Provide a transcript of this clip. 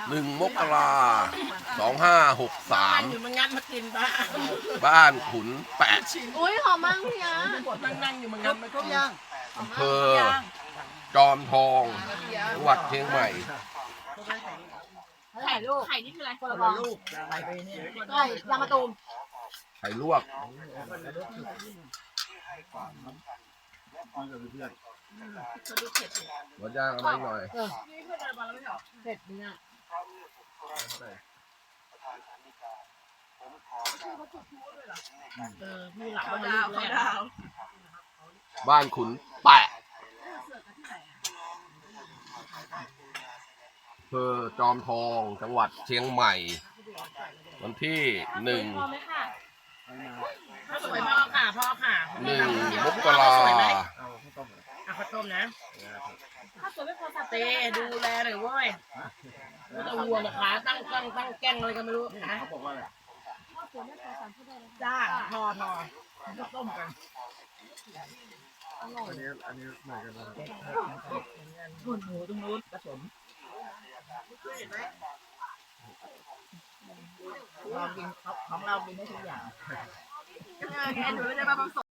1 มกรา 2563 อยู่มันงัดมากินบ้าบ้านขุนแปะอุ้ยหอมมากพี่ยะนั่งอยู่มันงัดมากินอำเภอจอมทองจังหวัดเชียงใหม่ไข่ลูกไข่นี่คืออะไรคนละฟองลูกไข่ไปเนี่ยไข่ยางมะตูมไข่ลวกหมดย่างอะไรหน่อยเผ็ดเนี่ยมีหลักดาวดาวบ้านขุนแปะอำเภอจอมทองจังหวัดเชียงใหม่ วันที่พอไหมค่ะข้าวสวยพ่อค่ะพ่อค่ะ 1 มกราข้าวต้มนะถ้าสวยไม่พอสับเต้ดูแลหน่อยเว้ยไม่ต้องห่วงนะคะตั้งแกล้งอะไรกันไม่รู้นะเขาบอกว่าอะไรถ้าสวยไม่พอสั่งเขาได้เลยจ้าพอก็ต้มกันอันนี้เหมือนกันนะหุ่นหมูตรงนู้นผสมเรากินของเรากินได้ทุกอย่างแค่หนูไม่ได้มาผสม